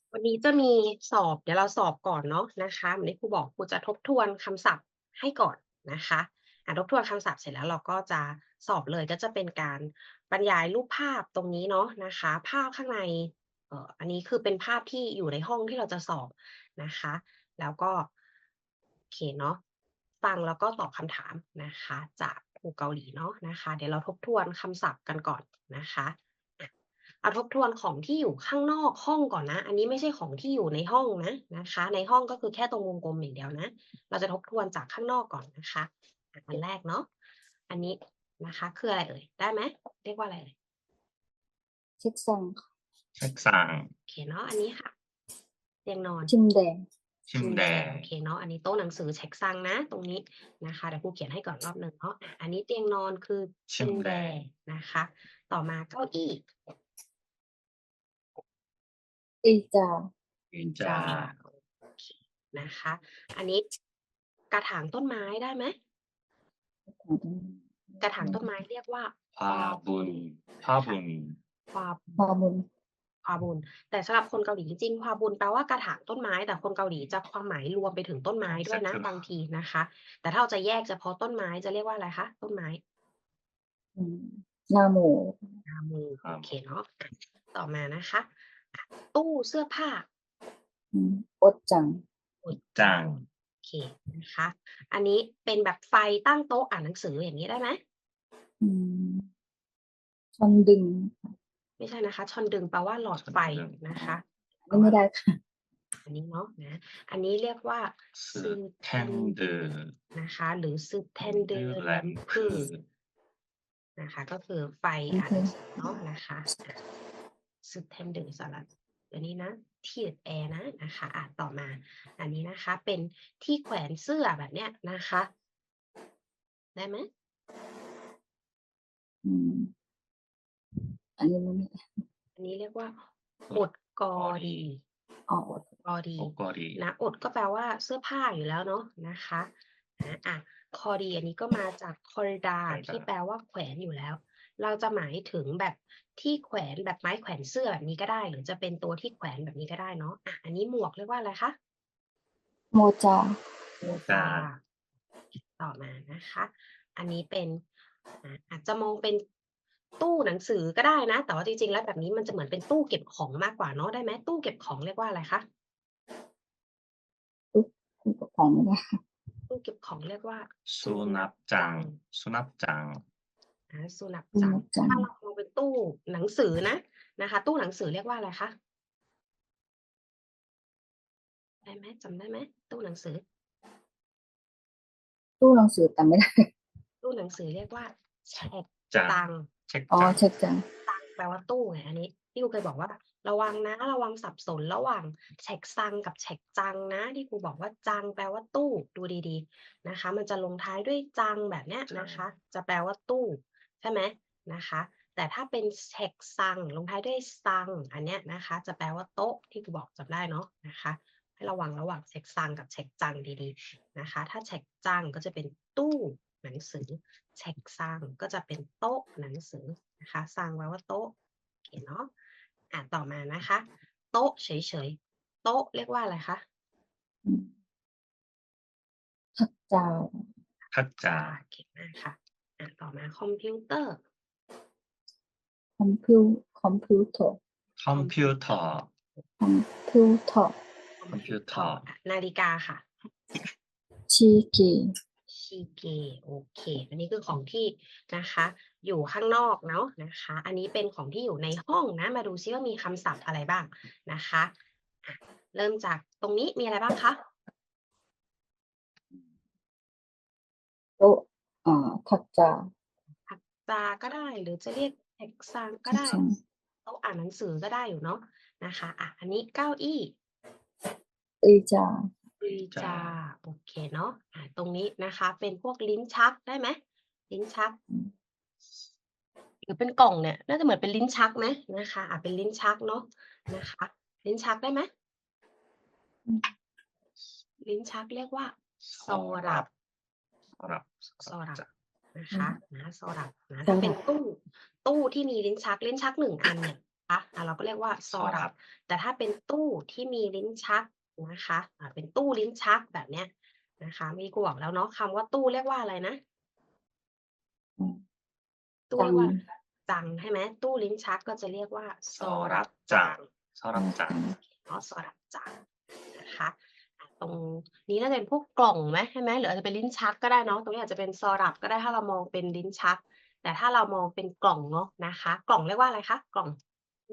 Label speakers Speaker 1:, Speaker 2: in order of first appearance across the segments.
Speaker 1: วันนี้จะมีสอบเดี๋ยวเราสอบก่อนเนาะนะคะเหมือนที่ครูบอกครูจะทบทวนคำศัพท์ให้ก่อนนะคะทบทวนคำศัพท์เสร็จแล้วเราก็จะสอบเลยก็จะเป็นการบรรยายรูปภาพตรงนี้เนาะนะคะภาพข้างในอันนี้คือเป็นภาพที่อยู่ในห้องที่เราจะสอบนะคะแล้วก็โอเคเนาะฟังแล้วก็ตอบคำถามนะคะจากครูเกาหลีเนาะนะคะเดี๋ยวเราทบทวนคำศัพท์กันก่อนนะคะอะ เอาทบทวนของที่อยู่ข้างนอกห้องก่อนนะ อันนี้ไม่ใช่ของที่อยู่ในห้องนะนะคะ ในห้องก็คือแค่ตรงวงกลมอย่างเดียวนะ เราจะทบทวนจากข้างนอกก่อนนะคะอันแรกเนาะอันนี้นะคะคืออะไรเอ่ยได้ไหมเรียกว่าอะไรเอ่ย
Speaker 2: 책상,
Speaker 3: 책상,
Speaker 1: โอเคเนาะอันนี้ค่ะเตียงนอน
Speaker 2: 침대,
Speaker 1: โอ
Speaker 3: 침대,
Speaker 1: เคเนาะอันนี้โต๊ะหนังสือเช็กซังนะตรงนี้นะคะเดี๋ยวครูเขียนให้ก่อนรอบหนึ่งเนาะอันนี้เตียงนอนคือชิมแด
Speaker 3: 침대,
Speaker 1: นะคะต่อมาเก้าอี้
Speaker 2: 의자,
Speaker 1: จ้า
Speaker 3: 의자,
Speaker 1: โอเคนะคะ อันนี้กระถางต้นไม้ได้ไหมกระถางต้นไม้เรียกว่า
Speaker 3: 화분, 화분,
Speaker 1: ควา
Speaker 2: 화분,
Speaker 1: ควาบุญแต่สำหรับคนเกาหลีจริงๆควาบุญแปลว่ากระถางต้นไม้แต่คนเกาหลีจะความหมายรวมไปถึงต้นไม้ด้วยนะ
Speaker 3: เสร็จแล้ว
Speaker 1: บางทีนะคะ แต่ถ้าเราจะแยกเฉพาะต้นไม้จะเรียกว่าอะไรคะต้นไม้
Speaker 2: 나무,
Speaker 1: นามูโอเคเนาะต่อมานะคะตู้เสื้อผ้า
Speaker 2: 옷장,
Speaker 3: 옷장,
Speaker 1: โอเคนะคะ อันนี้เป็นแบบไฟตั้งโต๊ะอ่านหนังสืออย่างนี้ได้ไหม
Speaker 2: 천등,
Speaker 1: ไม่ใช่นะคะชอนดึงแปลว่าหลอดไฟนะคะ
Speaker 2: อันนี้ไม่ได้ค่ะ
Speaker 1: อันนี้เนาะนะอันนี้เรียกว่าซึเทน
Speaker 3: 스탠드,
Speaker 1: นะคะหรือซึเทนเดอร์แลมพื
Speaker 3: 램프,
Speaker 1: นะคะก็คือไฟอ่านหนังสือเนาะนะคะซึเทนเดอร์สลัดอันนี้นะที่แอร์นะนะคะต่อมาอันนี้นะคะเป็นที่แขวนเสื้อแบบเนี้ยนะคะได้ไหม
Speaker 2: อันนี้ไม่ได้
Speaker 1: อันนี้เรียกว่าอดกอดี
Speaker 2: อ๋อ
Speaker 1: กอดี
Speaker 3: 옷걸이,
Speaker 1: นะอดก็แปลว่าเสื้อผ้าอยู่แล้วเนาะนะคะคอดีอันนี้ก็มาจากคอริดาที่แปลว่าแขวนอยู่แล้ว เราจะหมายถึงแบบที่แขวนแบบไม้แขวนเสื้อแบบนี้ก็ได้ หรือจะเป็นตัวที่แขวนแบบนี้ก็ได้เนาะอันนี้หมวกเรียกว่าอะไรคะ
Speaker 2: โมจา
Speaker 1: โมจาต่อมานะคะ อันนี้เป็นอาจจะมองเป็นตู้หนังสือก็ได้นะ แต่ว่าจริงๆแล้วแบบนี้มันจะเหมือนเป็นตู้เก็บของมากกว่าเนาะได้ไหมตู้เก็บของเรียกว่าอะไรคะ
Speaker 2: ของไม่ได้
Speaker 1: ตู้เก็บของเรียกว่า
Speaker 3: 수납장, 수납장,
Speaker 1: สุนัขจังถ้าเรามองเป็นตู้หนังสือนะคะ ตู้หนังสือเรียกว่าอะไรคะได้ไหมจำได้ไหมตู้หนังสือ
Speaker 2: ตู้หนังสือแต่ไม่ได้
Speaker 1: ตู้หนังสือเรียกว่าแฉก
Speaker 3: 장,
Speaker 1: ตัง
Speaker 2: อ๋อ
Speaker 3: 책장,
Speaker 2: เช็คจัง
Speaker 1: ตังแปลว่าตู้ไงอันนี้ที่ครูเคยบอกว่าระวังนะระวังสับสนระหว่างแฉกซังกับแฉกจังนะที่ครูบอกว่าจังแปลว่าตู้ดูดีๆนะคะ มันจะลงท้ายด้วยจังแบบเนี้ยนะคะ จะแปลว่าตู้ใช่ไหมนะคะ แต่ถ้าเป็นแฉกซังลงท้ายด้วยซังอันเนี้ยนะคะ จะแปลว่าโต๊ะที่ครูบอกจำได้เนาะนะคะ ให้ระวังระหว่างแฉกซังกับแฉกจังดีๆนะคะ ถ้าแฉกจังก็จะเป็นตู้หนังสือแฉกซังก็จะเป็นโต๊ะหนังสือนะคะซังแปลว่าโต๊ะโอเคเนาะต่อมานะคะ โต๊ะเฉยๆโต๊ะเรียกว่าอะไรคะ
Speaker 2: ทักจา
Speaker 3: 탁자,
Speaker 1: เก่งมากค่ะต่อมาคอมพิวเตอร์
Speaker 2: คอมพิวคอมพิวเตอร์
Speaker 3: 컴퓨터,
Speaker 2: คอมพิวเตอร์
Speaker 3: 컴퓨터,
Speaker 1: นาฬิกาค่ะ
Speaker 2: ชีกี
Speaker 1: ชิเกโอเค อันนี้คือของที่นะคะ อยู่ข้างนอกเนาะนะคะ อันนี้เป็นของที่อยู่ในห้องนะ มาดูซิว่ามีคำศัพท์อะไรบ้างนะคะเริ่มจากตรงนี้มีอะไรบ้างคะ
Speaker 2: โต๊ะทักจา
Speaker 1: ผักจาก็ได้หรือจะเรียกแท็กซังก็ได้
Speaker 2: ทักซัง
Speaker 1: โต๊ะอ่านหนังสือก็ได้อยู่เนาะนะคะอันนี้เก้าอี้
Speaker 2: 의자
Speaker 1: ดีจาโอเคเนาะตรงนี้นะคะ เป็นพวกลิ้นชักได้ไหมลิ้นชัก หรือเป็นกล่องเนี่ยน่าจะเหมือนเป็นลิ้นชักไหมนะคะเป็นลิ้นชักเนาะนะคะ ลิ้นชักได้ไหมลิ้นชักเรียกว่าโซรับ
Speaker 3: 서랍,
Speaker 1: โซรับ
Speaker 3: 자,
Speaker 1: นะคะโซรับนะถ้าเป็นตู้ที่มีลิ้นชักหนึ่งอันเนี่ยเราก็เรียกว่าซอรับ
Speaker 3: 서랍
Speaker 1: แต่ถ้าเป็นตู้ที่มีลิ้นชักนะคะเป็นตู้ลิ้นชักแบบเนี้ยนะคะเมื่อกี้ครูบอกแล้วเนาะคำว่าตู้เรียกว่าอะไรนะ ตู้เรียกว่า
Speaker 2: จัง
Speaker 1: จังใช่ไหมตู้ลิ้นชักก็จะเรียกว่าซอรับจาง
Speaker 3: 서랍장
Speaker 1: เนาะซอรับจางนะคะตรงนี้น่าจะเป็นพวกกล่องไหมใช่ไหมหรืออาจจะเป็นลิ้นชักก็ได้เนาะตรงนี้อาจจะเป็นซอรับก็ได้ถ้าเรามองเป็นลิ้นชัก แต่ถ้าเรามองเป็นกล่องเนาะนะคะ กล่องเรียกว่าอะไรคะกล่องนะ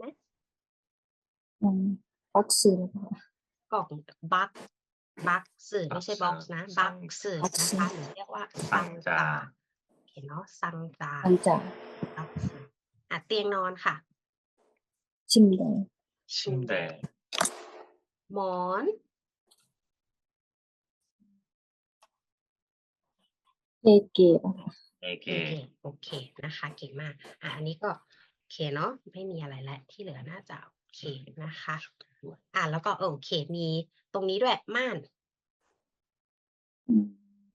Speaker 2: บ็อกซ์
Speaker 1: กล่องบักสื่อไม่ใช่บ็อกซ์นะบักสื่อ
Speaker 2: บ็อก
Speaker 1: นะ
Speaker 2: ซ์
Speaker 1: คะหรือเรียกว่าซังจาโอเคเนาะซังจา
Speaker 2: จังจ่า
Speaker 1: บักสื่อเตียงนอนค่ะ
Speaker 2: ชิมเด
Speaker 3: 침대
Speaker 1: หมอน
Speaker 2: เลเกะ
Speaker 3: 베개
Speaker 1: โอเคนะคะเก่งมากอันนี้ก็โอเคเนาะไม่มีอะไรแล้วที่เหลือน่าจะโอเคนะคะแล้วก็โอเคมีตรงนี้ด้วยม่าน
Speaker 2: อืม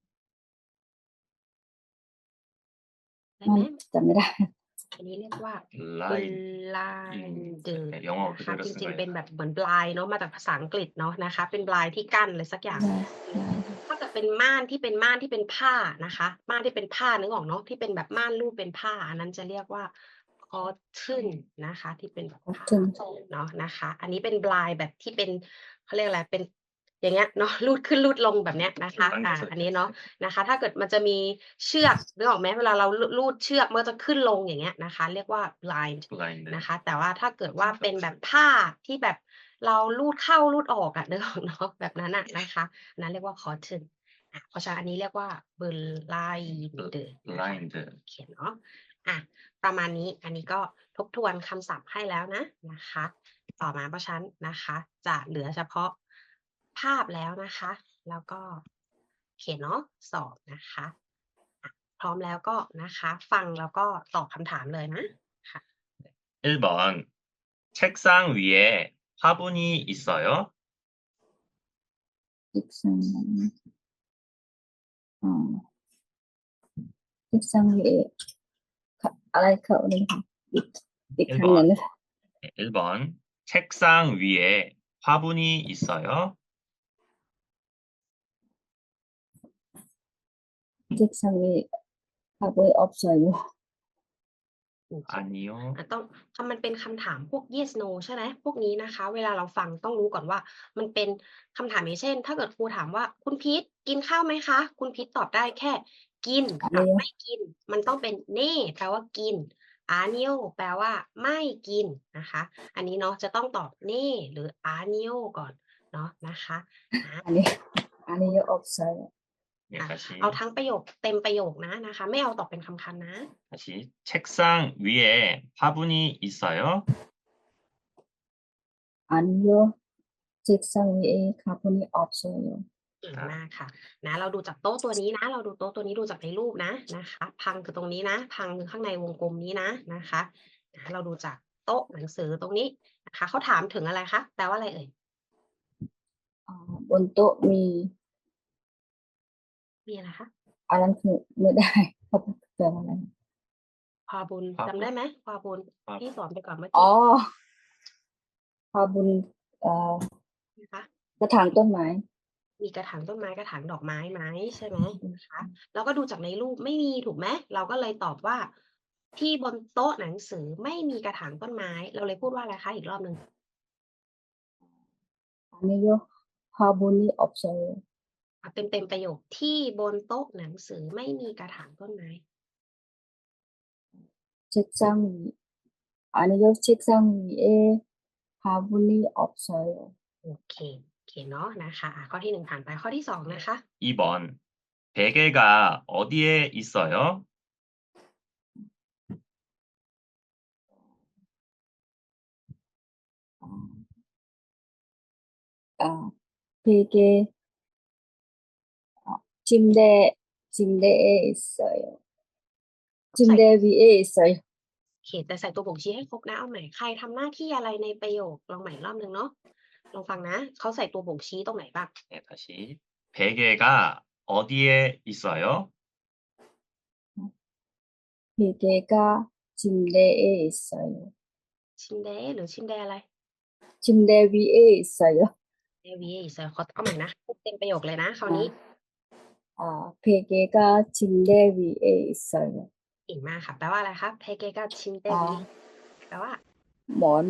Speaker 1: ได้ไหม
Speaker 2: จำไม่ได้
Speaker 1: อันนี้เรียกว่า
Speaker 3: blind
Speaker 1: blinder
Speaker 3: 영어
Speaker 1: นะคะ
Speaker 3: 그대로
Speaker 1: จ
Speaker 3: 쓴
Speaker 1: ริงๆ
Speaker 3: 거예요.
Speaker 1: เป็นแบบเหมือน blind เนาะมาจากภาษาอังกฤษเนาะนะคะเป็น blind ที่กั้นอะไรสักอย่าง ถ้าเกิดเป็นม่านที่เป็นผ้านะคะม่านที่เป็นผ้านึกออกเนาะที่เป็นแบบม่านรูปเป็นผ้าอันนั้นจะเรียกว่า cotton นะคะที่เป็นแบบผ้า
Speaker 2: cotton
Speaker 1: เนาะนะคะอันนี้เป็น blind แบบที่เป็นเขาเรียกอะไรเป็นอย่างเงี้ยเนาะรูดขึ้นรูดลงแบบเนี้ยนะคะอันนี้เนาะนะคะถ้าเกิดมันจะมีเชือกนึกออกไหมเวลาเรารูดเชือกมันจะขึ้นลงอย่างเงี้ยนะคะเรียกว่า blind
Speaker 3: blind
Speaker 1: นะคะแต่ว่าถ้าเกิดว่าเป็นแบบผ้าที่แบบเรารูดเข้ารูดออกนึกออกเนาะแบบนั้นนะคะอันนั้นเรียกว่า cotton เพราะฉะนั้นอันนี้เรียกว่า blinder นะคะ
Speaker 3: blind
Speaker 1: เขียนเนาะประมาณนี้อันนี้ก็ทบทวนคำศัพท์ให้แล้วนะคะต่อมาเพราะฉะนั้นนะคะจะเหลือเฉพาะภาพแล้วนะคะแล้วก็เขียนเนาะสอบนะคะพร้อมแล้วก็นะคะฟังแล้วก็ตอบคำถามเลยนะค่ะ
Speaker 3: 1번 책상 위에 화분이 있어요?
Speaker 2: อีกสังอีกสังเออะไรเขาเลยค่ะอีกครั้งหนึ่งนะคะ
Speaker 3: 1번 책상 위에 화분이 있어요?
Speaker 2: อีกสังเอค่ะเบอร์ออฟซอย
Speaker 3: 아니요.
Speaker 1: ต้องมันเป็นคำถามพวก yes no ใช่ไหมพวกนี้นะคะเวลาเราฟังต้องรู้ก่อนว่ามันเป็นคำถามอย่างเช่น ถ้าเกิดครูถามว่าคุณพีทกินข้าวไหมคะคุณพีทตอบได้แค่กินกับไม่กินมันต้องเป็นเน่แปลว่ากินอาเนียแปลว่าไม่กินนะคะอันนี้เนาะจะต้องตอบเน่หรืออาเนียก่อนเนาะนะคะ
Speaker 2: อันนี้เยอะออฟซอย
Speaker 3: 네, 다시
Speaker 1: เอาทั้งประโยคเต็มประโยคนะคะไม่เอาตอบเป็นคำๆนะ
Speaker 3: 다시 책상 위에 화분이 있어요?
Speaker 2: อันเยอะเจ็กซังเอค่ะพวกนี้ออฟซอย
Speaker 1: เก่งมากค่ะเราดูจากโต๊ะตัวนี้นะเราดูโต๊ะตัวนี้ดูจากในรูปนะคะพังคือตรงนี้นะพังคือข้างในวงกลมนี้นะคะเราดูจากโต๊ะหนังสือตรงนี้นะคะเขาถามถึงอะไรคะแปลว่าอะไรเอ่ย
Speaker 2: บนโต๊ะมี
Speaker 1: มีอะไรคะ
Speaker 2: อันนั้นคือไม่ได้เขาแปลว่าอะไร
Speaker 1: พาบุญจำได้ไหมพาบุญที่สอนไปก่อนเมื่อ
Speaker 2: อ๋
Speaker 1: กี้
Speaker 2: อพาบุญ
Speaker 1: นะคะ
Speaker 2: กระถางต้นไม้
Speaker 1: มีกระถางต้นไม้กระถางดอกไม้ไหมใช่ไหมนะคะแล้วก็ดูจากในรูปไม่มีถูกไหมเราก็เลยตอบว่าที่บนโต๊ะหนังสือไม่มีกระถางต้นไม้เราเลยพูดว่าอะไรคะอีกรอบหนึ่ง
Speaker 2: อันนี้เยอะพาบุญนี่ออฟซอย
Speaker 1: เต็มประโยคที่บนโต๊ะหนังสือไม่มีกระถางต้นไม้
Speaker 2: เช็คซังอันนี้เยอะเช็คซังเอพาบุญนี่ออฟซอย
Speaker 1: โอเคเนาะนะคะข้อที่1ผ่านไปข้อที่2นะคะ
Speaker 3: 2번 베개가 어디에 있어요?
Speaker 2: 베개 침대에 있어요. 침대 위에 있어요.
Speaker 1: โอเคแต่ใส่ตัวบ่งชี้ให้ครบนะเอาใหม่ใครทำหน้าที่อะไรในประโยคลองใหม่รอบนึงเนาะลองฟังนะเขาใส่ตัวบ่งชี้ตรงไหนบ้าง
Speaker 3: 네, 다시 베개가 어디에 있어요?
Speaker 2: 베개가 침대에 있어요.
Speaker 1: 침대หรือ 침대อะไร
Speaker 2: 침대 위에 있어요.
Speaker 1: 침대 위에 있어요 ขอเอาใหม่นะพูดเต็มประโยคเลยนะคราวนี้
Speaker 2: 베개가 침대 위에 있어요.
Speaker 1: เก่งมากค่ะแปลว่าอะไรคะ 베개가 침대 위에
Speaker 2: 아,
Speaker 1: แปลว่า
Speaker 2: หมอน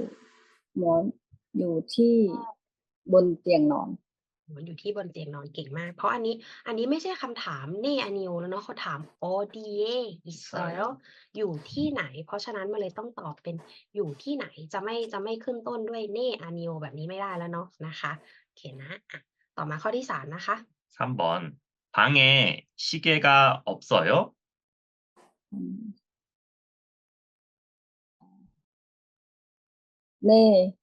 Speaker 2: อยู่ที่บนเตียงนอน
Speaker 1: หมอนอยู่ที่บนเตียงนอนเก่งมาก เพราะอันนี้ไม่ใช่คำถามเน่อานิวแล้วเนาะเขาถาม 어디에 있어요 อยู่ที่ไหน เพราะฉะนั้นมันเลยต้องตอบเป็นอยู่ที่ไหนจะไม่ขึ้นต้นด้วยเน่อานิวแบบนี้ไม่ได้แล้วเนาะนะคะโอเคนะอ่ะต่อมาข้อที่สามนะคะ
Speaker 3: 3번. 방에 시계가 없어요?
Speaker 2: 음, 네,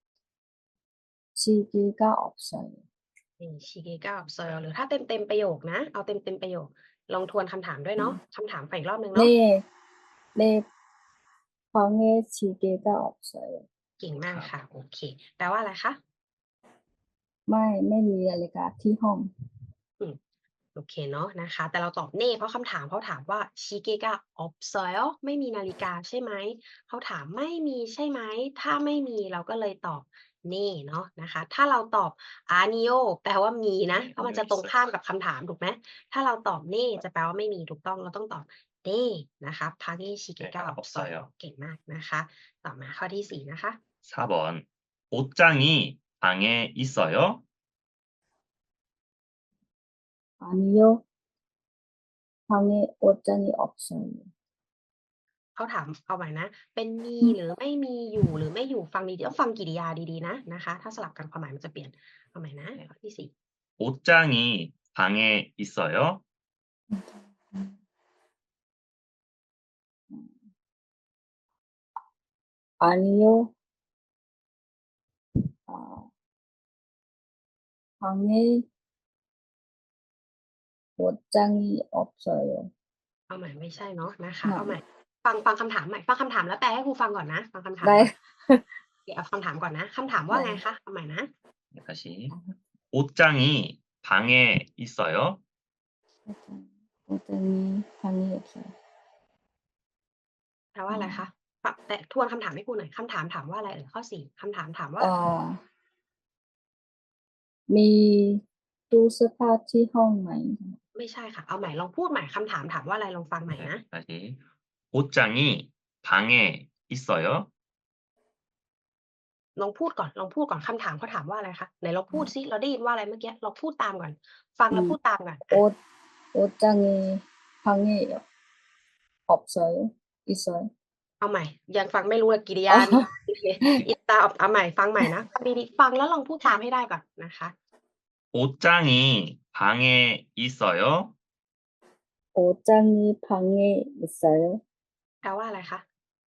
Speaker 2: 시계가 없어요.
Speaker 1: 시계가 없어요 หรือถ้าเต็มประโยคนะเอาเต็มประโยคลองทวนคำถามด้วยเนาะคำถามไปอีกรอบหนึ่งเนาะ
Speaker 2: 네, 방에 시계가 없어요.
Speaker 1: เก่งมากค่ะโอเคแปลว่าอะไรคะ
Speaker 2: ไม่มีนาฬิกาที่ห้อง
Speaker 1: โอเคเนาะนะคะแต่เราตอบเน่เพราะคำถามเขาถามว่า시계가 없어요 ไม่มีนาฬิกาใช่ไหมเขาถามไม่มีใช่ไหมถ้าไม่มีเราก็เลยตอบเน่เนาะนะคะถ้าเราตอบ아니요แปลว่ามีนะเพราะมันจะตรงข้ามกับคำถามถูกไหมถ้าเราตอบเน่จะแปลว่าไม่มีถูกต้องเราต้องตอบเน่นะคะ방에 시계가 없어요 เก่งมากนะคะต่อมาข้อที่สี่นะคะ
Speaker 3: 4번. 옷장이 방에 있어요?
Speaker 2: 아니요, 방에 옷장이 없어요.
Speaker 1: เขาถามเอาใหม่นะเป็นมีหรือไม่มีอยู่หรือไม่อยู่ฟังดีๆต้องฟังกริยาดีๆนะคะถ้าสลับกันความหมายมันจะเปลี่ยนเอาใหม่นะข้อที่สี่
Speaker 3: 옷장이 방에 있어요?
Speaker 2: 아니요, 아, 방에 옷장이 없어요.
Speaker 1: เอาใหม่ไม่ใช่เนาะนะคะ
Speaker 2: น่ะ
Speaker 1: เอาใหม่ฟังคำถามใหม่ฟังคำถามแล้วแปลให้ครูฟังก่อนนะฟังคำถาม
Speaker 2: 네,
Speaker 1: ก่อนเดี๋ยวเอาคำถามก่อนนะคำถามว่าไงคะเอาใหม่นะ
Speaker 3: 네, 다시. 옷장이 방에 있어요?
Speaker 2: 옷장이 방에 없어요.
Speaker 1: แปลว่าอะไรคะแต่ทวนคำถามให้ครูหน่อยคำถามถามว่าอะไรข้อสี่คำถามถามว่า
Speaker 2: มีตู้เสื้อผ้าที่ห้องไหม
Speaker 1: ไม่ใช่ค่ะเอาใหม่ลองพูดใหม่คำถามถามว่าอะไรลองฟังใหม่
Speaker 3: 네,
Speaker 1: นะ
Speaker 3: 다시. 옷장이 방에 있어요?
Speaker 1: ลองพูดก่อนคำถามเขาถามว่าอะไรคะไหนเราพูดซิเราได้ยินว่าอะไรเมื่อกี้เราพูดตามก่อนฟังแล้วพูดตามก่อน
Speaker 2: 옷장이 방에 없어요? 있어요?
Speaker 1: เอาใหม่ยังฟังไม่รู้เลยกิริยานี้ อิตาเอาใหม่ฟังใหม่นะฟังดีๆฟังแล้วลองพูดตามให้ได้ก่อนนะคะ
Speaker 3: 옷장이 방에 있어요?
Speaker 2: 옷장이 방에 있어요?
Speaker 1: แปลว่าอะไรคะ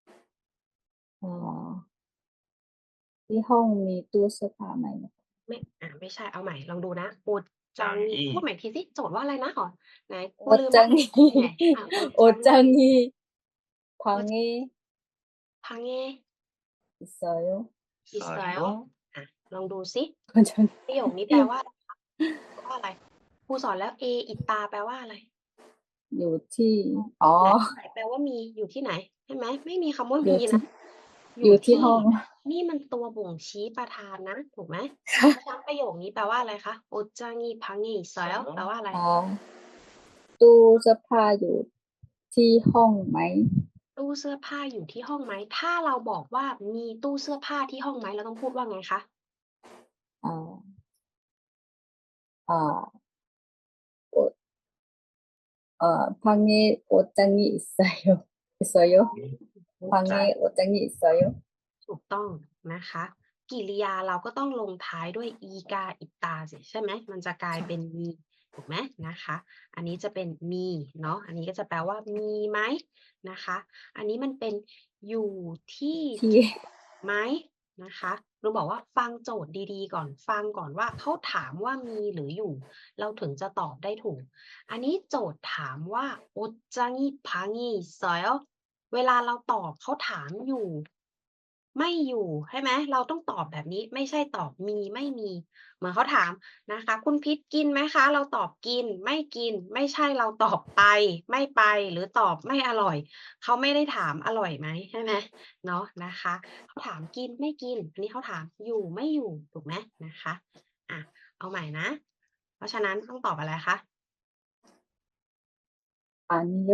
Speaker 2: ที่ห้องมีตู้เสื้อผ้าไหม
Speaker 1: ไม่ใช่เอาใหม่ลองดูนะโอจังงีพูดใหม่ทีสิโจทย์ว่าอะไรนะขอไหนกูลืมละ
Speaker 2: 옷장이
Speaker 1: โอจัง
Speaker 2: 옷장이 방에
Speaker 1: พังเง
Speaker 2: 있어요?
Speaker 3: 있어요?
Speaker 1: ลองดูซิ
Speaker 2: 옷장이
Speaker 1: ประโยคนี้แปลว่าอะไรคะแปลว่าอะไรครูสอนแล้วอิตาแปลว่าอะไร
Speaker 2: อยู่ที่
Speaker 1: ไหนแปลว่ามีอยู่ที่ไหนใช่ไหมไม่มีคำว่า
Speaker 2: อยู่
Speaker 1: มี
Speaker 2: ที่
Speaker 1: นะ
Speaker 2: อยู่ที่ห้อง
Speaker 1: นี่มันตัวบ่งชี้ประธานนะถูกไหมเพราะฉะนั้นประโยคนี้แปลว่าอะไรคะโอจางีพังงีซอยแปลว่าอะไร
Speaker 2: ตู้เสื้อผ้าอยู่ที่ห้องไหม
Speaker 1: ตู้เสื้อผ้าอยู่ที่ห้องไหมถ้าเราบอกว่ามีตู้เสื้อผ้าที่ห้องไหมเราต้องพูดว่าไงคะ
Speaker 2: 방에 옷장이 있어요? 방에 옷장이 있어요?
Speaker 1: ถูกต้องนะคะกิริยาเราก็ต้องลงท้ายด้วยอีกาอิตาสิใช่ไหมมันจะกลายเป็นมีถูกไหมนะคะอันนี้จะเป็นมีเนาะอันนี้ก็จะแปลว่ามีไหมนะคะอันนี้มันเป็นอยู่ที่
Speaker 2: ที่
Speaker 1: ไหมนะคะเราบอกว่าฟังโจทย์ดีๆก่อนฟังก่อนว่าเขาถามว่ามีหรืออยู่ เราถึงจะตอบได้ถูก อันนี้โจทย์ถามว่าโอจังีพังงีซอยเวลาเราตอบเขาถามอยู่ไม่อยู่ใช่ไหมเราต้องตอบแบบนี้ไม่ใช่ตอบมีไม่มีเหมือนเขาถามนะคะคุณพิษกินไหมคะเราตอบกินไม่กินไม่ใช่เราตอบไปไม่ไปหรือตอบไม่อร่อยเขาไม่ได้ถามอร่อยไหมใช่ไหมเนาะนะคะเขาถามกินไม่กินอันนี้เขาถามอยู่ไม่อยู่ถูกไหมนะคะอะเอาใหม่นะเพราะฉะนั้นต้องตอบอะไรคะ
Speaker 2: 아니요.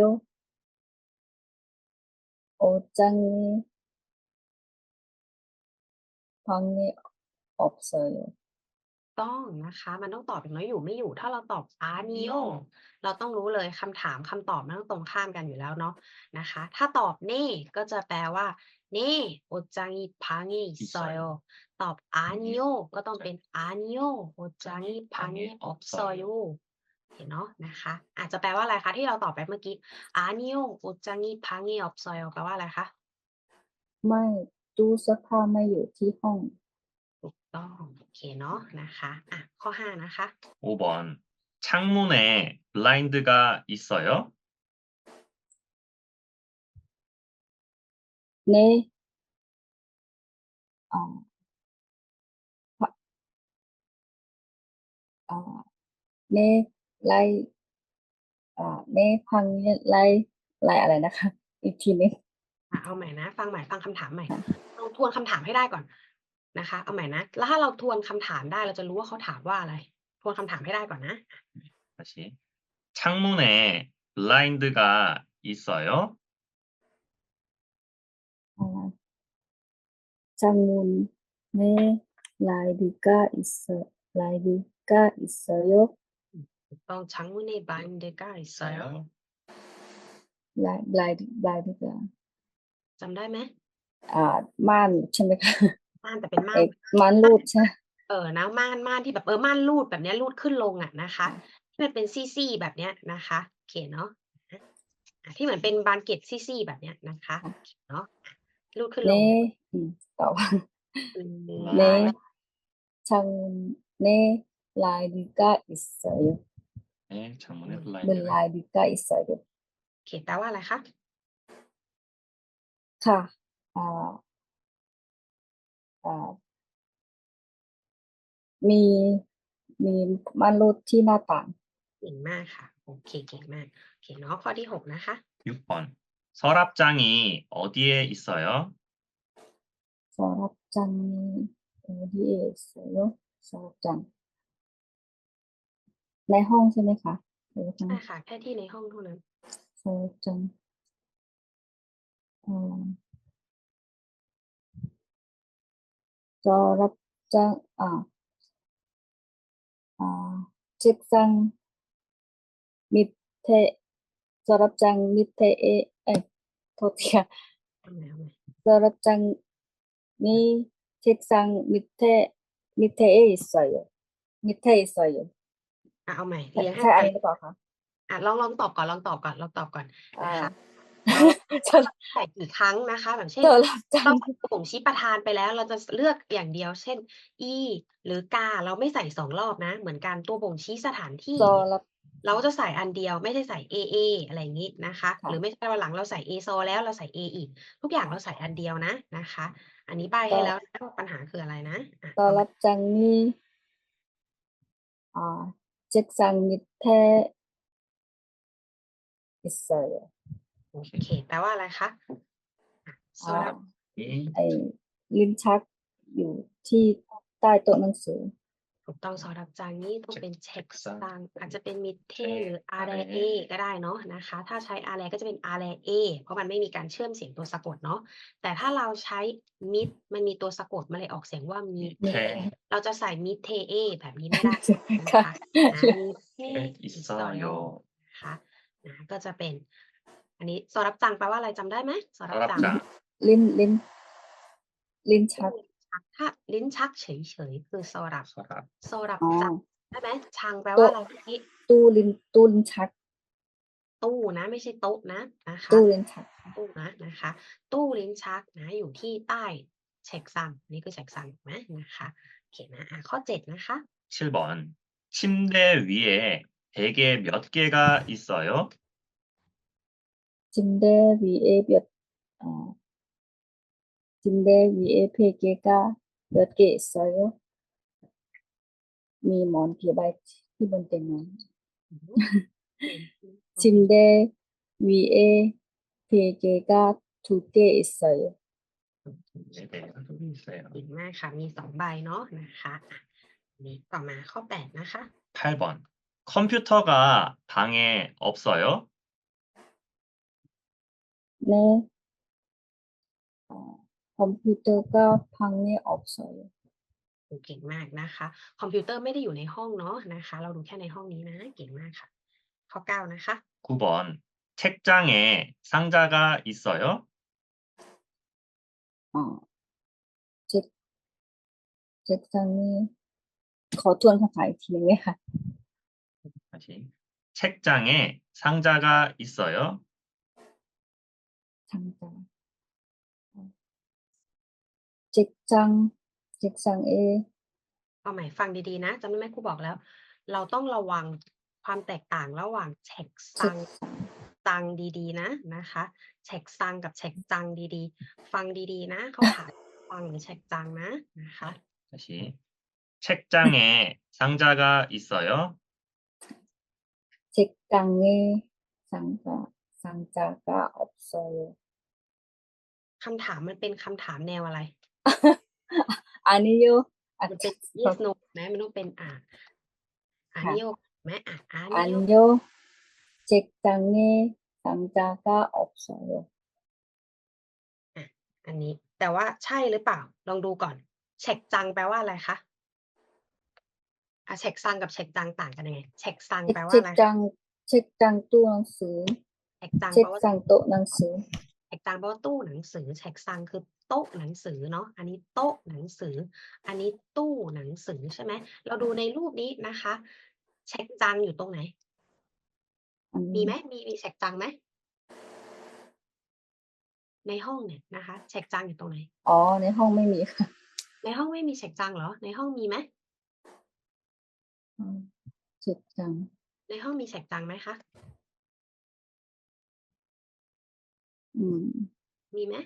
Speaker 2: 옷장이 방에 없어요.
Speaker 1: ต้องนะคะมันต้องตอบอย่างน้อยอยู่ไม่อยู่ถ้าเราตอบ 아니요 เราต้องรู้เลยคำถามคำตอบมันต้องตรงข้ามกันอยู่แล้วเนาะนะคะถ้าตอบ네ก็จะแปลว่า네 옷장이 방에 있어요 ตอบ 아니요 ก็ต้องเป็น 아니요 옷장이 방에 없어요 เห็นเนาะนะคะอาจจะแปลว่าอะไรคะที่เราตอบไปเมื่อกี้ 아니요 옷장이 방에 없어요 แปลว่าอะไรคะ
Speaker 2: ไม่ตู้เสื้อผ้าไม่อยู่ที่ห้อง
Speaker 1: ถูกต้องโอเคเนาะนะคะอ่ะข้อ5นะคะ
Speaker 3: 5번. 창문에 블라인드가 있어요?
Speaker 2: 네, 바, 네, 라이, 네, 방에 라이อะไรนะคะ อีกทีหนึง
Speaker 1: เอาใหม่นะฟังใหม่ฟังคำถามใหม่
Speaker 2: ค่ะ
Speaker 1: ลองทวนคำถามให้ได้ก่อนนะคะเอาใหม่นะแล้วถ้าเราทวนคำถามได้เราจะรู้ว่าเขาถามว่าอะไรทวนคำถามให้ได้ก่อนนะ
Speaker 3: 다시. 창문에 블라인드가 있어요?
Speaker 2: 장문에 라이디가 있어요.
Speaker 1: ถูกต้อง창문에 블라인드가 있어요
Speaker 2: 라이디가
Speaker 1: จำได้ไหม
Speaker 2: ม่านใช่ไหมคะ
Speaker 1: ม่านแต่เป็นม่า
Speaker 2: เอ้
Speaker 1: น
Speaker 2: ม่านรูดใช่
Speaker 1: นะม่านที่แบบม่านรูดแบบเนี้ยรูดขึ้นลงอะนะคะที่มันเป็นซี่ๆแบบเนี้ยนะคะโอเคเนาะที่เหมือนเป็นบานเกล็ดซี่ๆแบบเนี้ยนะคะโอเคเนาะรูดขึ้นลง
Speaker 2: 네,ต่อว่า
Speaker 3: 네.
Speaker 2: 장문에 라이디가 있어요.
Speaker 3: 네, 창문에
Speaker 2: 문
Speaker 3: 블라인드가
Speaker 2: 라이디가 있어요.
Speaker 1: โอเคแปลว่าอะไรคะ
Speaker 2: ค่ะอ่าอ่ามีมีม่านรูดที่หน้าต่าง
Speaker 1: เก่งมากค่ะโอเคเก่งมากโอเคเนาะข้อที่6นะคะ
Speaker 3: 6번. 서랍장이 어디에 있어요?
Speaker 2: 서랍장이 어디에 있어요? 서랍장 ในห้องใช่ไหมคะหรือว่า
Speaker 1: ใช่ค่ะแค่ที่ในห้องเท่านั้น
Speaker 2: 서랍장 서랍장 책상 밑에 서랍장 밑에 어디야?
Speaker 1: เอาใหม่
Speaker 2: 서랍장이 책상 밑에 있어요. 밑에 있어요.
Speaker 1: เอาใหม่เรียงให้
Speaker 2: ใช่อัน
Speaker 1: เป็น
Speaker 2: นี้หรือเปล่าคะ
Speaker 1: ลองตอบก่อนนะคะ
Speaker 2: สำ
Speaker 1: ใส่กี่ครั้งนะคะแบบเช่น
Speaker 2: สำหรับจั
Speaker 1: เรา
Speaker 2: ง
Speaker 1: ใส่ตัวบ่งชี้ประธานไปแล้วเราจะเลือกอย่างเดียวเช่นอีหรือกาเราไม่ใส่2รอบนะเหมือนกันตัวบ่งชี้สถานที่
Speaker 2: สำหรับ
Speaker 1: เราก็จะใส่อันเดียวไม่ได้ใส่เออะไรอย่างงี้นะคะ
Speaker 2: ค่ะ
Speaker 1: หรือไม่ใช่วันหลังเราใส่เอซอแล้วเราใส่เออีกทุกอย่างเราใส่อันเดียวนะคะ อันนี้ใบ้ให้แล้วนะว่าปัญหาคืออะไรนะเอาใหม่
Speaker 2: 서랍장이 책상 밑에 있어요.
Speaker 1: โอเคแปลว่าอะไรคะสำหรับ
Speaker 3: 이
Speaker 2: ไอ้ลิ้นชักอยู่ที่ใต้โต๊ะหนังสือ
Speaker 1: ถูกต้องสำหรับจานนี้ต้องเป็นเช็คซังอาจจะเป็นมิเทหรืออาแรเอ
Speaker 3: 아래
Speaker 1: ก็ได้เนาะนะคะ ถ้าใช้อาแรก็จะเป็นอาแรเอเพราะมันไม่มีการเชื่อมเสียงตัวสะกดเนาะแต่ถ้าเราใช้มิดมันมีตัวสะกดมันเลยออกเสียงว่ามิเท
Speaker 3: 밑에
Speaker 1: เราจะใส่มิเทเอแบบนี้ไม่ได้นะ
Speaker 2: ค่ะ
Speaker 1: คะมิเทอิสโย
Speaker 3: 있어요.
Speaker 1: นะคะก็จะเป็น อันนี้สำหรับจังแปลว่าอะไรจำได้ไหมสำหรับจัง
Speaker 3: 서랍장
Speaker 2: ลิ้นชัก
Speaker 1: ถ้าลิ้นชักเฉยๆคือสำหรับ
Speaker 3: 서랍
Speaker 1: สำหรับ
Speaker 2: อ๋อ
Speaker 1: จังได้ไหมชังแปลว่าอะไรเมื่อกี้
Speaker 2: ตู้ลิ้นชัก
Speaker 1: ตู้นะไม่ใช่โต๊ะนะคะ
Speaker 2: ตู้ลิ้นชัก
Speaker 1: ตู้นะคะตู้ลิ้นชักอยู่ที่ใต้เช็คซังนี่คือเช็คซังถูกไหมนะคะโอเคนะข้อ7นะคะ
Speaker 3: 7번. 침대 위에 베개 몇 개가 있어요?
Speaker 2: 침대 위에 침대 위에 베개가 몇 개 있어요? มีหมอนกี่ใบที่บนเตียงนอน
Speaker 1: อืมเป็น
Speaker 2: 침대 위에 베개가 2개 있어요.
Speaker 3: 네, 소리 있어요.
Speaker 1: เก่งมากค่ะมี2ใบเนาะนะคะอันนี้ต่อมาข้อ8นะคะ
Speaker 3: 8번. 컴퓨터가 방에 없어요?
Speaker 2: 네, 컴퓨터가 방에 없어요.
Speaker 1: เก่งมากนะคะคอมพิวเตอร์ไม่ได้อยู่ในห้องเนาะนะคะเราดูแค่ในห้องนี้นะเก่งมากค่ะข้อ9นะคะ
Speaker 3: 9번. 책장에 상자가 있어요?
Speaker 2: 책, 책상에 ขอทวนคำถามอีกทีหนึงไหมคะ
Speaker 3: 다시. 책장에 상자가 있어요?
Speaker 2: 상자. 책상에
Speaker 1: เอาใหม่ฟังดีๆนะจำได้ไหมครูบอกแล้ว เราต้องระวังความแตกต่างระหว่างเช็คซัง
Speaker 2: 책상.
Speaker 1: ซังดีๆนะคะเช็คซังกับเช็คจังดีๆฟังดีๆนะเขาถามฟังหรือเช็คจังนะคะ
Speaker 3: 다시. 책장에 상자가 있어요?
Speaker 2: 책상에 상자가 없어요.
Speaker 1: คำถามมันเป็นคำถามแนวอะไร
Speaker 2: 아니요.
Speaker 1: มันเป็น yes no ไหมมันต้องเป็น
Speaker 2: ค่ะ
Speaker 1: นิโยไหมนิโย
Speaker 2: 아니요. 책상에 상자가 없어요.
Speaker 1: อันนี้แต่ว่าใช่หรือเปล่าลองดูก่อนเช็คจังแปลว่าอะไรคะเช็คซังกับเช็คจังต่างกันยังไงเช็คซังแปลว่าอะไร
Speaker 2: 책장 또หนังสือ
Speaker 1: เช็คจังแปลว่า
Speaker 2: 책상 또หนังสือ
Speaker 1: เช็คจังแปลว่าตู้หนังสือเช็คซังคือโต๊ะหนังสือเนาะอันนี้โต๊ะหนังสือ อันนี้ตู้หนังสือใช่ไหมเราดูในรูปนี้นะคะเช็คจังอยู่ตรงไหน มีไหมมีเช็คจังไหมในห้องเนี่ยนะคะเช็คจังอยู่ตรงไหน
Speaker 2: อ๋อในห้องไม่มีค่ะ
Speaker 1: ในห้องไม่มีเช็คจังเหรอในห้องมีไหม
Speaker 2: 책장
Speaker 1: ในห้องมีเช็คจังไหมคะ มีไหม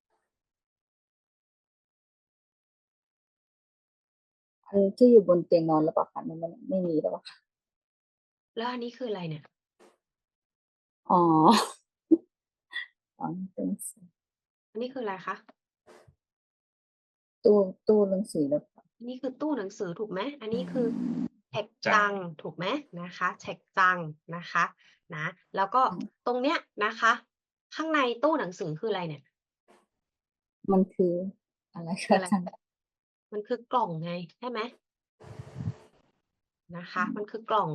Speaker 2: อันที่อยู่บนเตียงนอนหรือเปล่าคะมันไม่มีหรือเปล่าคะ
Speaker 1: แล้วอันนี้คืออะไรเนี่ย
Speaker 2: อ๋อ อ๋อหนังสือ
Speaker 1: อันนี้คืออะไรคะ
Speaker 2: ตู้หนังสือหรือเปล่า
Speaker 1: อันนี้คือตู้หนังสือถูกไหมอันนี้คือเช็คจังถูกไหมนะคะเช็คจังนะคะนะแล้วก็ตรงเนี้ยนะคะ ข้างในตู้หนังสือคืออะไรเนี่ย
Speaker 2: มันคืออะไร
Speaker 1: คือ
Speaker 2: คะ
Speaker 1: อะไร
Speaker 2: อาจารย์
Speaker 1: มันคือกล่องไงใช่ไหมนะคะมันคือกล่อง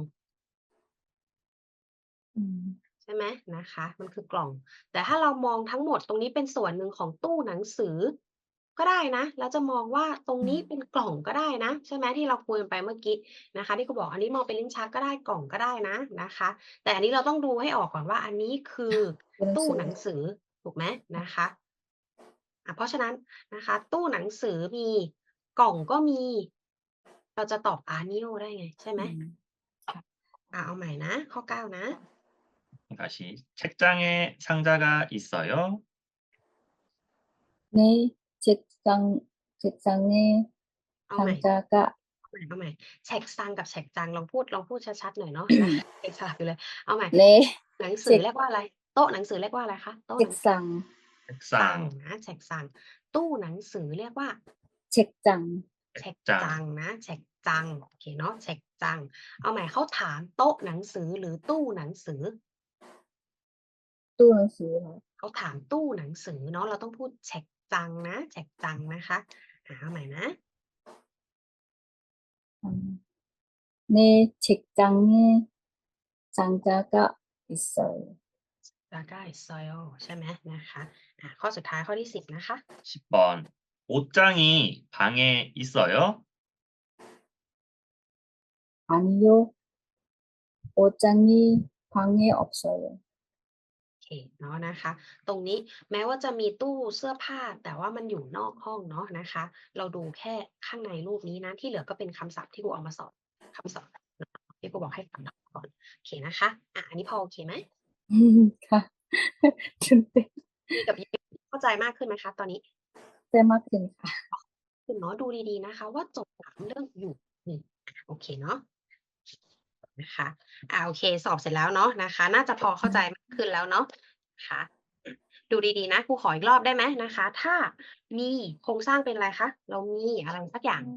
Speaker 1: ใช่ไหมนะคะมันคือกล่อง แต่ถ้าเรามองทั้งหมดตรงนี้เป็นส่วนหนึ่งของตู้หนังสือ ก็ได้นะแล้วจะมองว่าตรงนี้เป็นกล่องก็ได้นะใช่ไหมที่เราคุยกันไปเมื่อกี้นะคะที่เขาบอกอันนี้มองเป็นลิ้นชักก็ได้กล่องก็ได้นะคะแต่อันนี้เราต้องดูให้ออกก่อนว่าอันนี้คือตู้หนังสือถูกไหมนะคะเพราะฉะนั้นนะคะตู้หนังสือมีกล่องก็มี เราจะตอบอานิโอได้ไงใช่ไหมเอาใหม่นะข้อ9นะ
Speaker 3: 다시. 책장에 상자가 있어요?
Speaker 2: 네, 책상에
Speaker 1: เอาใหม่
Speaker 2: 상자가
Speaker 1: เอาใหม่เช็คซังกับเช็คจังลองพูดชัดๆหน่อยเนาะนะเช็คสลับอยู่เลยเอาใหม่
Speaker 2: 네,
Speaker 1: หนังสือเรียกว่าอะไรโต๊ะหนังสือเรียกว่าอะไรคะโต๊ะหนังสือ
Speaker 2: 책상
Speaker 1: ซัง
Speaker 3: 책상.
Speaker 1: นะเช็คซังตู้หนังสือเรียกว่า
Speaker 2: 책장
Speaker 1: เช็คจังนะเช็คจังโอเคเนาะเช็คจังเอาใหม่เขาถามโต๊ะหนังสือหรือตู้หนังสือ
Speaker 2: ตู้หนังสือค่ะ
Speaker 1: เขาถามตู้หนังสือเนาะเราต้องพูดเช็คจังนะเช็คจังนะคะเอาใหม่นะ
Speaker 2: 네, 책장에 상자가 있어요.
Speaker 1: แล้วก็ซอยใช่ไหมนะคะข้อสุดท้ายข้อที่10นะคะ
Speaker 3: 10번. 옷장이 방에 있어요?
Speaker 2: 아니요, 옷장이 방에 없어요.
Speaker 1: โอเคเนาะนะคะ ตรงนี้แม้ว่าจะมีตู้เสื้อผ้าแต่ว่ามันอยู่นอกห้องเนาะนะคะ เราดูแค่ข้างในรูปนี้นะที่เหลือก็เป็นคำศัพท์ที่ครูเอามาสอบคำศัพท์ที่ครูบอกให้ฟังก่อนโอเคนะคะอันนี้พอโอเคไหม
Speaker 2: ค่ะ ตื่นเต้น
Speaker 1: พี่กับยิปเข้าใจมากขึ้นไหมคะตอนนี้
Speaker 2: เพิ่มมากขึ้นค่ะ
Speaker 1: คุณเนาะดูดีๆนะคะว่าจบถามเรื่องอยู่นี่โอเคเนาะนะคะโอเคสอบเสร็จแล้วเนาะนะคะ น่าจะพอเข้าใจมากขึ้นแล้วเนาะนะคะดูดีๆนะครูขออีกรอบได้ไหมนะคะ ถ้ามีโครงสร้างเป็นอะไรคะเรามีอะไรสักอย่าง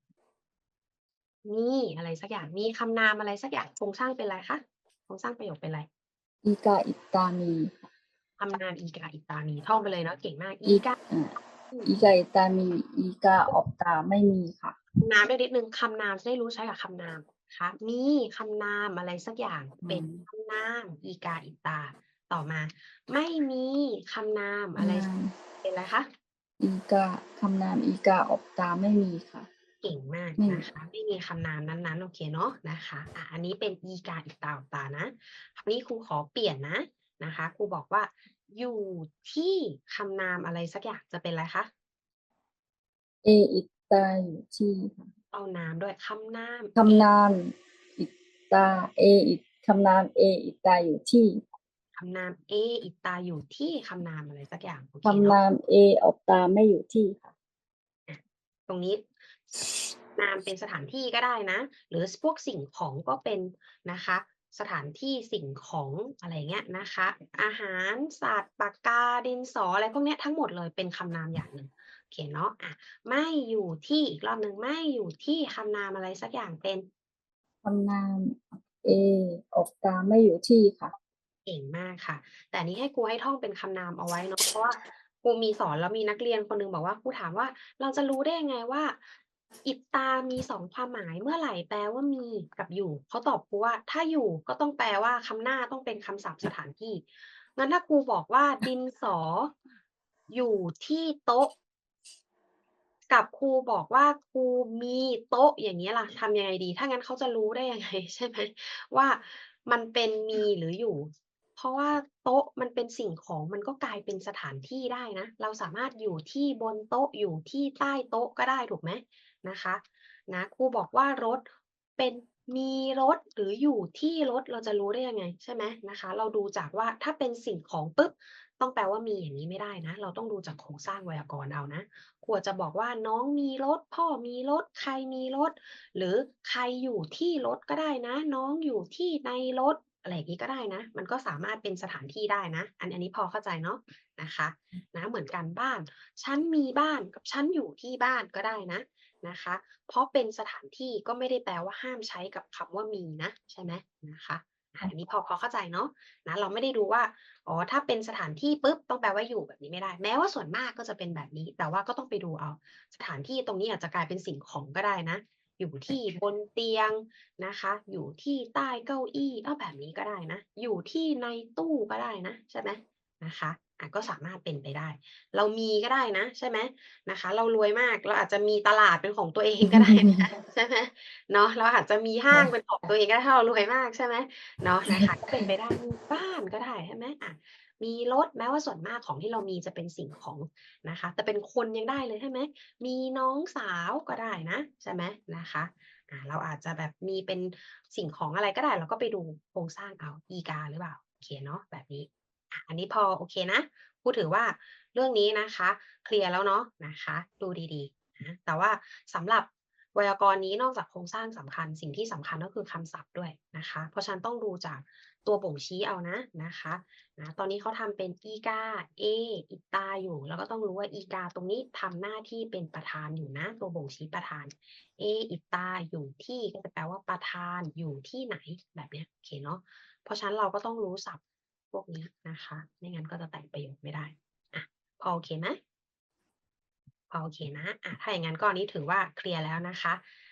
Speaker 1: มีอะไรสักอย่างมีคำนามอะไรสักอย่างโครงสร้างเป็นอะไรคะโครงสร้างประโยคเป็นอะไร
Speaker 2: อีกาอิตามีค่ะ
Speaker 1: คำนามอีกาอิตามีท่องไปเลยเนาะเก่งมากอี
Speaker 2: อี
Speaker 1: กา
Speaker 2: อีกาอิตามีอีกาออกตาไม่มีค่ะ
Speaker 1: คำนามด้วยนิดหนึ่งคำนามจะได้รู้ใช้กับคำนามนะคะมีคำนามอะไรสักอย่างเป็นคำนามอีกาอิตาต่อมา ไม่มีคำนามอะไรเป็นอะไรคะ
Speaker 2: อีกาคำนามอีกาออกตาไม่มีค่ะ
Speaker 1: เก่งมาก
Speaker 2: ไม่มี
Speaker 1: นะคะไม่มีคำนามนั้นๆโอเคเนาะนะคะอันนี้เป็นอีกาอิตาออกตานะคราวนี้ครูขอเปลี่ยนนะคะครูบอกว่า อยู่ที่คำนามอะไรสักอย่างจะเป็นอะไรคะ
Speaker 2: เออิตาอยู่ที่ค่ะ
Speaker 1: เอานามด้วยคำนาม
Speaker 2: คำนามอิตาคำนามเออิตาอยู่ที่
Speaker 1: คำนามเออิตาอยู่ที่คำนามอะไรสักอย่างโอเค
Speaker 2: คำ
Speaker 1: เนาะ
Speaker 2: นามเอออกตาไม่อยู่ที่ค่ะ
Speaker 1: ตรงนี้นามเป็นสถานที่ก็ได้นะ หรือพวกสิ่งของก็เป็นนะคะ สถานที่สิ่งของอะไรเงี้ยนะคะ อาหารสัตว์ปากกาดินสออะไรพวกเนี้ยทั้งหมดเลยเป็นคำนามอย่างหนึ่งโอเคเนาะไม่อยู่ที่อีกรอบหนึ่งไม่อยู่ที่คำนามอะไรสักอย่างเป็น
Speaker 2: คำนามเอออกตาไม่อยู่ที่ค่ะ
Speaker 1: เก่งมากค่ะ แต่อันนี้ให้ครูให้ท่องเป็นคำนามเอาไว้เนาะเพราะว่าครูมีสอนแล้วมีนักเรียนคนหนึ่งบอกว่าครูถามว่าเราจะรู้ได้ยังไงว่าอิตามี2ความหมายเมื่อไหร่แปลว่ามีกับอยู่เขาตอบครูว่าถ้าอยู่ก็ต้องแปลว่าคำหน้าต้องเป็นคำศัพท์สถานที่งั้นถ้าครูบอกว่าดินสออยู่ที่โต๊ะกับครูบอกว่าครูมีโต๊ะอย่างงี้ล่ะทำยังไงดีถ้างั้นเขาจะรู้ได้ยังไงใช่ไหมว่ามันเป็นมีหรืออยู่ เพราะว่าโต๊ะมันเป็นสิ่งของมันก็กลายเป็นสถานที่ได้นะเราสามารถอยู่ที่บนโต๊ะอยู่ที่ใต้โต๊ะก็ได้ถูกไหมนะคะครูบอกว่ารถเป็นมีรถหรืออยู่ที่รถเราจะรู้ได้ยังไงใช่ไหมนะคะเราดูจากว่าถ้าเป็นสิ่งของปุ๊บต้องแปลว่ามีอย่างนี้ไม่ได้นะเราต้องดูจากโครงสร้างไวยากรณ์เอานะครูอาจจะบอกว่าน้องมีรถพ่อมีรถใครมีรถหรือใครอยู่ที่รถก็ได้นะน้องอยู่ที่ในรถ อะไรอย่างนี้ก็ได้นะ มันก็สามารถเป็นสถานที่ได้นะ อันนี้พอเข้าใจเนาะนะคะเหมือนกันบ้าน ฉันมีบ้านกับฉันอยู่ที่บ้านก็ได้นะคะ เพราะเป็นสถานที่ก็ไม่ได้แปลว่าห้ามใช้กับคำว่ามีนะใช่ไหมนะคะอันนี้พอเข้าใจเนาะเราไม่ได้ดูว่าอ๋อถ้าเป็นสถานที่ปุ๊บต้องแปลว่าอยู่แบบนี้ไม่ได้ แม้ว่าส่วนมากก็จะเป็นแบบนี้ แต่ว่าก็ต้องไปดูเอาสถานที่ตรงนี้อาจจะกลายเป็นสิ่งของก็ได้นะ อยู่ที่บนเตียงนะคะอยู่ที่ใต้เก้าอี้แบบนี้ก็ได้นะอยู่ที่ในตู้ก็ได้นะใช่ไหมนะคะก็สามารถเป็นไปได้ เรามีก็ได้นะใช่ไหมนะคะเรารวยมากเราอาจจะมีตลาดเป็นของตัวเองก็ได้นะใช่ไหมเนาะเราอาจจะมีห้างเป็นของตัวเองก็ได้ถ้าเรารวยมากใช่ไหมเนาะนะคะก็เป็นไปได้มีบ้านก็ได้ใช่ไหมมีรถแม้ว่าส่วนมากของที่เรามีจะเป็นสิ่งของนะคะแต่เป็นคนยังได้เลยใช่ไหม มีน้องสาวก็ได้นะใช่ไหมนะคะเราอาจจะแบบมีเป็นสิ่งของอะไรก็ได้เราก็ไปดูโครงสร้างเอาอีกาหรือเปล่าโอเคเนาะแบบนี้อันนี้พอโอเคนะพูดถือว่าเรื่องนี้นะคะเคลียร์แล้วเนาะนะคะดูดีๆนะแต่ว่าสำหรับไวยากรณ์นี้นอกจากโครงสร้างสำคัญสิ่งที่สำคัญก็คือคำศัพท์ด้วยนะคะเพราะฉะนันต้องดูจากตัวบ่งชี้เอานะคะตอนนี้เขาทำเป็นอีกาอิตาอยู่แล้วก็ต้องรู้ว่าอีกาตรงนี้ทำหน้าที่เป็นประธานอยู่นะตัวบ่งชี้ประธานอิตาอยู่ที่ก็จะแปลว่าประธานอยู่ที่ไหนแบบเนี้ยโอเคเนาะเพราะฉะนั้นเราก็ต้องรู้ศัพท์พวกนี้นะคะไม่งั้นก็จะแต่งประโยคไม่ได้พอโอเคไหมพอโอเคนะถ้าอย่างนั้นก็อันนี้ถือว่าเคลียร์แล้วนะคะ